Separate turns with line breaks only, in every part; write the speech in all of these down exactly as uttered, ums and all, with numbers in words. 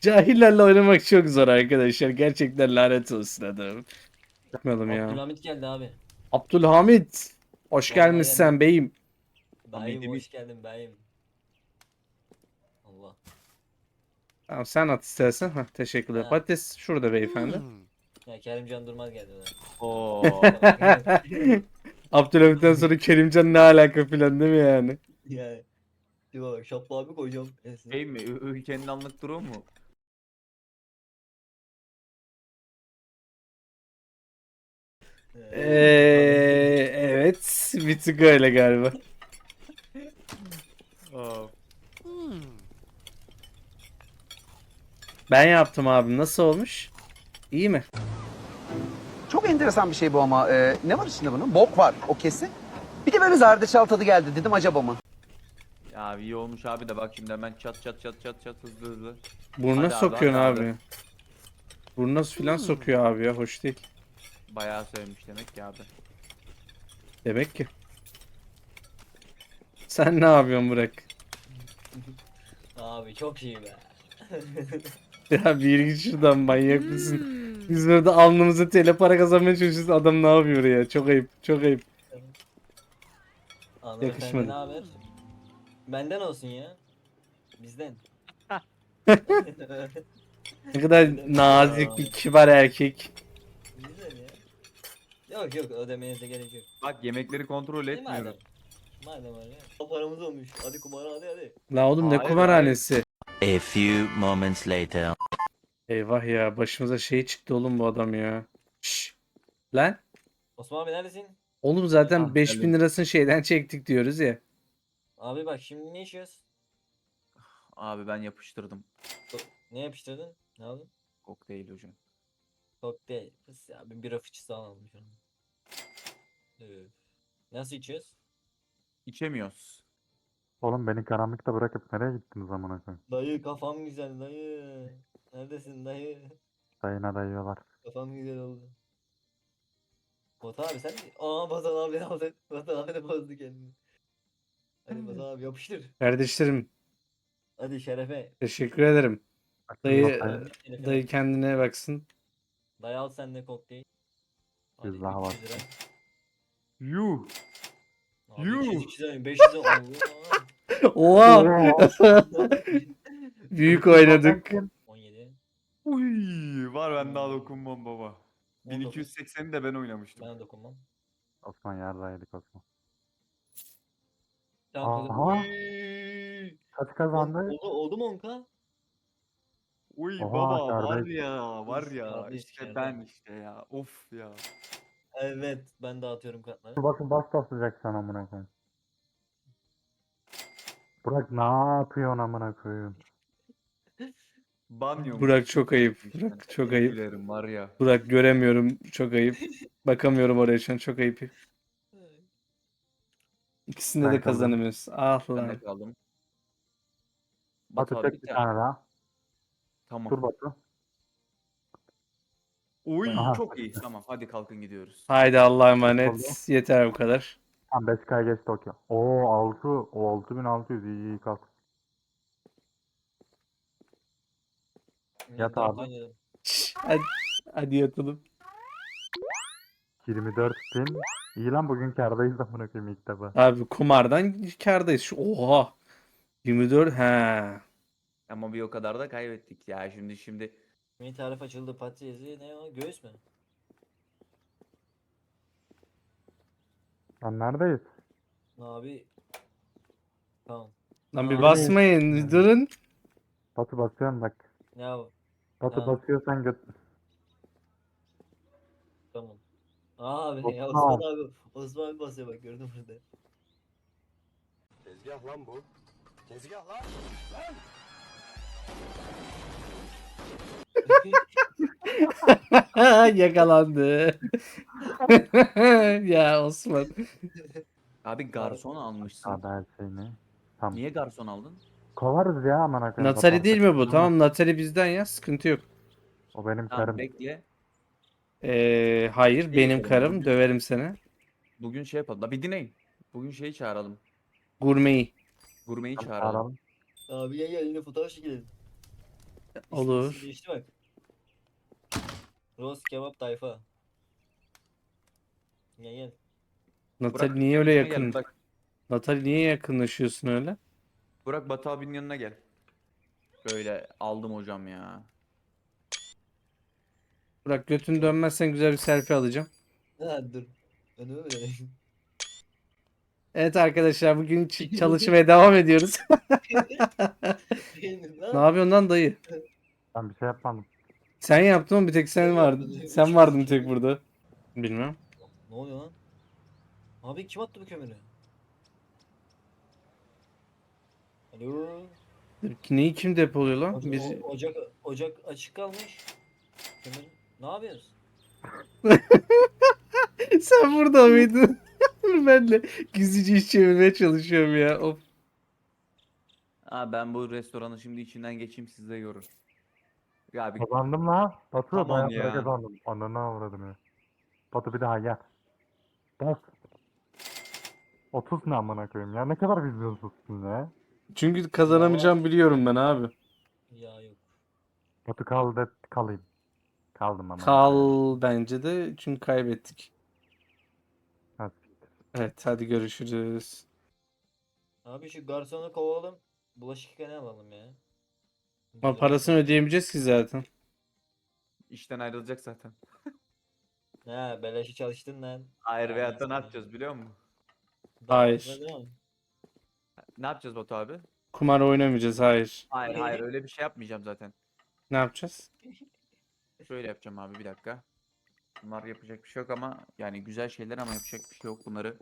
Cahillerle oynamak çok zor arkadaşlar. Gerçekten lanet olsun adamım. Yapmayalım ya.
Abdülhamit geldi abi.
Abdülhamit. Hoş
Vallahi
gelmişsen
geldim.
beyim.
Beyim
Hamid'im
hoş geldin beyim. Allah.
Tamam sen at istersen. Hah, teşekkürler.
Ha.
Patates şurada beyefendi.
Ya Kerimcan Durmaz geldi lan.
Oo.
Abdülhamit'ten sonra Kerimcan ne alaka filan değil mi yani?
Yani. Dur bak şapla abi koyacağım. Esin.
Şey mi? Ö- Ülkenin anlık durumu mu?
Eee evet. Bir tık öyle galiba.
Aa.
Ben yaptım abim. Nasıl olmuş? İyi mi?
Çok enteresan bir şey bu ama e, ne var içinde bunun? Bok var o kesin. Bir de böyle zerdeçal tadı geldi dedim acaba mı?
Ya iyi olmuş abi de bak şimdi hemen çat çat çat çat çat hızlı hızlı.
Burnuna
Hadi abi,
sokuyorsun
hadi
abi.
abi.
Burnuna filan sokuyor abi ya. Hoş değil.
Bayağı sevmiş demek ki abi.
Demek ki. Sen ne yapıyorsun Burak?
Abi çok iyi be.
Ya bir git şuradan manyak mısın? Biz burada alnımıza tele para kazanmaya çalışıyoruz. Adam ne yapıyor ya? Çok ayıp. Çok ayıp.
Hanımefendi
Yakışmadı.
ne haber? Benden olsun ya. Bizden.
Ne kadar nazik bir kibar erkek.
Bizden ya. Yok yok ödemenize gerek yok.
Bak yemekleri kontrol
Değil mi
etmiyorum.
adam? Madem öyle. O paramız olmuş. Hadi kumara hadi hadi.
La oğlum ne
Hayır,
kumarhanesi?
A few moments later.
Eyvah ya başımıza şey çıktı oğlum bu adam ya. Şşş. Lan.
Osman abi neredesin?
Oğlum zaten
Ah,
beş bin
geldim.
lirasını şeyden çektik diyoruz ya.
Abi bak şimdi ne içiyoruz?
Abi ben yapıştırdım.
Ne yapıştırdın? Ne aldın?
Kokteyl hocam.
Kokteyl. Kız ya bir bira fıçısı alalım şunu. Üf. Nasıl içiyoruz?
İçemiyoruz.
Oğlum beni karanlıkta bırakıp nereye gittiniz amına koyayım?
Dayı kafam güzel dayı. Neredesin dayı?
Dayına dayıyorlar.
Kafam güzel oldu. Batu abi sen mi? Aa Batu abi aldı. Batu abi de bozdu kendini. Hadi Batu abi yapıştır.
Kardeşlerim
Hadi şerefe.
teşekkür ederim.
Bakın
Dayı,
bakayım.
Şerefe.
dayı kendine baksın.
Dayı al sen de kokteyl. Hadi
Yüz daha
üç yüz lira.
Yuh.
Abi
Yuh.
iki yüz iki yüz beş yüz Allah.
Oha! Büyük oynadık.
on yedi.
Uy, var ben daha dokunmam baba.
on dokuz.
bin iki yüz sekseni de ben oynamıştım.
Ben dokunmam.
Osman yardaydık Osman.
Tamam kızım.
Aha.
Uy.
Kaç
On-
kazandı?
Oldu, oldu mu onka?
Uy
Oha,
baba var
kardeş.
ya var
Üf,
ya
kardeş,
işte
kardeş.
ben işte ya of ya.
Evet ben dağıtıyorum kartları.
Dur bakın bas basacak sana amına koyayım. Burak ne yapıyorsun amına koyayım?
Banyo.
Burak çok ayıp. Burak çok ayıp.
Dilerim var ya.
Burak göremiyorum. Çok ayıp. Bakamıyorum oraya şu an. Çok ayıp. İkisinde
Ben
de
kaldım.
kazanamıyoruz. Ah
Ben
lan.
de kaldım.
Batu
Batu abi
çek bir
bir
tane daha.
Tamam.
Dur Batu.
Uy
Aha.
çok iyi tamam hadi kalkın gidiyoruz.
Haydi Allah'a
Oldu.
emanet. Yeter bu kadar.
Tam beş K geçti okey. Oo altı. O altı bin altı yüz iyi iyi kalk. Yat
Dört
abi.
oynadım.
Şş, hadi, hadi yatalım.
yirmi dört bin. İyi lan bugün kârdayız amına koyayım ilk defa.
Abi kumardan kârdayız. Şu- Oha. yirmi dört. He.
Ama bir o kadar da kaybettik ya şimdi şimdi.
Yeni tarif açıldı patatesi ne o göğüs mü?
Lan neredeyiz?
Abi. Tamam.
Lan bir
Abi.
basmayın. bir Durun.
Batu basıyorum bak.
Ya
Batu
Tamam.
basıyorsan göt.
tamam. Abi ya
Osman.
Osman abi. Osman abi basıyor bak gördün burada.
Tezgah lan bu. Tezgah lan.
Yakalandı. Ya Osman.
Abi garson almışsın.
Abi her şeyini. Tamam.
Niye garson aldın?
Kovarız ya amına koyayım.
Natali
Batu.
değil mi bu? Tamam Natali bizden ya. Sıkıntı yok.
O benim
Tamam
karım.
bekle.
Ee, hayır benim
yapalım
karım.
bugün?
Döverim seni.
Bugün şey yapalım. La bir dinleyin. Bugün şeyi çağıralım.
Gurmeyi.
Gurmeyi
Tamam,
çağıralım.
çağıralım.
abi gel gel yine fotoğraf çekelim.
Olur.
İsmi değişti bak. Roast kebap tayfa. Gel gel.
Natali
Burak,
niye öyle
yanıma gel,
yakın?
Burak.
Natali niye yakınlaşıyorsun öyle?
Burak Batu abinin yanına gel. Böyle aldım hocam ya.
Bırak götünü dönmezsen güzel bir selfie alacağım.
Ha dur. Önüme mi döneyim?
Evet arkadaşlar bugün ç- çalışmaya devam ediyoruz.
Beğendin
Ne
lan.
yapıyorsun lan dayı?
Ben bir şey yapmadım.
Sen yaptın mı? Bir tek sen
Ben
vardın.
yapmadım.
Sen vardın bir tek burada. Bilmem.
Ne oluyor lan? Abi kim attı bu kömürü? Alo.
Neyi kim depoluyor lan?
Oca-
Biz...
o- ocak ocak açık kalmış. Kömür. Ne yapıyorsun?
Sen burada mıydın? Ben de gizlice iş çevirmeye çalışıyorum ya. Of.
Aa, ben bu restoranı şimdi içinden geçeyim, siz de görün. Ya bir
Kazandım la. Batu
Tamam
bayağı para
ya.
kazandım. Ananı avradım ya. Batu bir daha gel. Bak. otuz ne amına koyayım ya, ne kadar vizyonsuzsun ya.
Çünkü kazanamayacağım biliyorum ben abi.
Ya yok.
Batu kal de kalayım. Kaldım ama.
Kal bence de çünkü kaybettik.
Hadi.
Evet hadi görüşürüz.
Abi şu garsonu kovalım. Bulaşık yıkayanı alalım ya.
Ama parasını ödeyemeyeceğiz ki zaten.
işten ayrılacak zaten.
Ha beleşi çalıştın lan.
Hayır,
Aynen
veyahut da ne
sana.
yapacağız biliyor musun?
Daha
Hayır.
fazla değil mi?
Ne yapacağız Batu abi?
Kumar oynamayacağız hayır.
Hayır hayır, öyle bir şey yapmayacağım zaten.
Ne yapacağız?
Şöyle yapacağım abi, bir dakika. Bunlar yapacak bir şey yok ama yani güzel şeyler, ama yapacak bir şey yok bunları.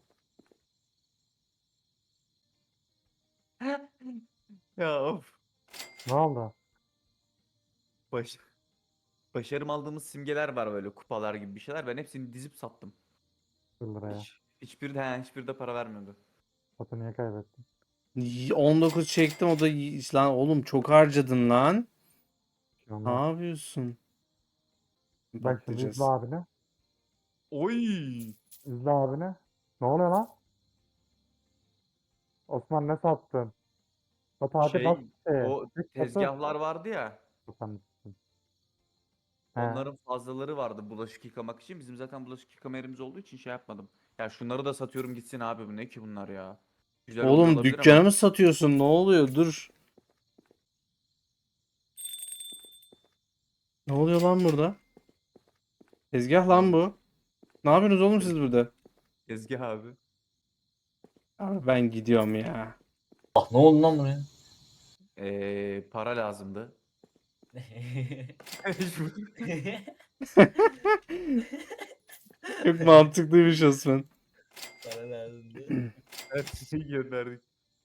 Ya of.
Ne oldu?
Baş... Başarım aldığımız simgeler var, böyle kupalar gibi bir şeyler. Ben hepsini dizip sattım.
bir liraya.
Hiç, hiçbiri de, he, hiçbiri de para vermiyordu.
Batu niye kaybettin?
Y- on dokuz çektim o da y- lan oğlum çok harcadın lan.
Bir şey
Ne
olmaz.
yapıyorsun?
Bak şimdi izle
Bakacağız.
abini.
Oy!
İzle abini. Ne oluyor lan? Osman ne sattın? Batu hadi
Şey,
bak. Ee,
o
Batu.
tezgahlar vardı ya.
Sen- He.
Onların fazlaları vardı bulaşık yıkamak için. Bizim zaten bulaşık yıkama yerimiz olduğu için şey yapmadım. Ya şunları da satıyorum gitsin abi, bu ne ki bunlar ya. Güzel oluyor
Oğlum
olabilir
dükkanı
ama.
mı satıyorsun? Ne oluyor? Dur. Ne oluyor lan burada? Tezgah lan bu. Ne yapıyorsunuz oğlum siz burada?
Tezgah abi.
Abi ben gidiyorum ya.
Ah ne oldu lan buraya?
Ee, para lazımdı.
Çok mantıklıymış Osman.
Para lazımdı.
Her şeyi gönderdik.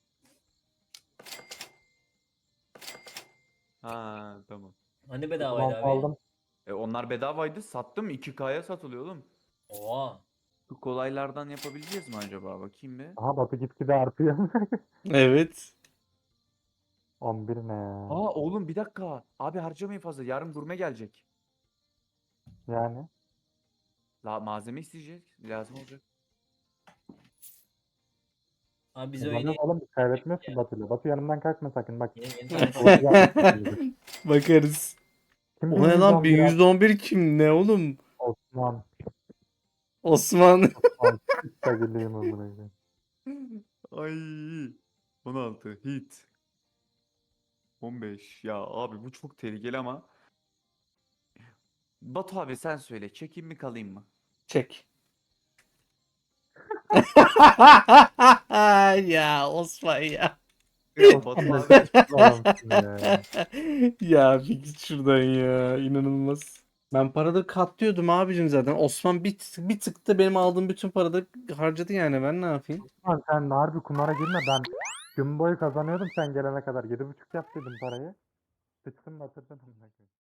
Ha tamam.
Hani
Tamam
bedavaydı abi?
aldım.
E, onlar bedavaydı, sattım, iki K'ya satılıyor oğlum.
Oha.
Bu kolaylardan yapabileceğiz mi acaba, bakayım bir.
Aha Batu gitgide artıyor.
Evet.
on bir ne ya?
Aa oğlum bir dakika. Abi harcamayın fazla. Yarın gurme gelecek.
Yani.
La malzeme isteyecek. Lazım olacak.
Abi biz
Kazanıyoruz
oynayalım.
oğlum, biz kaybetmiyoruz ki Batu'yla. Batu yanımdan kalkma sakın bak.
Yeni yeni
Batu
tane
yapmış.
Bakarız.
Kim
O ne lan?
bin yüz on bir?
bin yüz on bir kim? Ne oğlum?
Osman.
Osman.
Osman. Sevgiliyim amına koyayım.
Ay. on altı hit. on beş. Ya abi bu çok tehlikeli ama. Batu abi sen söyle. Çekeyim mi kalayım mı?
Çek. Ya Osman ya.
Ya Batu abi.
Adamsın ya.
Ya bir git şuradan ya. İnanılmaz. Ben parada katlıyordum abicim zaten. Osman bir, tık- bir tıkta benim aldığım bütün parada harcadı yani. Ben ne yapayım?
Osman sen harbi kumara girme, ben gün boyu kazanıyordum sen gelene kadar. Yedi buçuk yap dedim parayı. Sıçtın batırdın amına koyayım.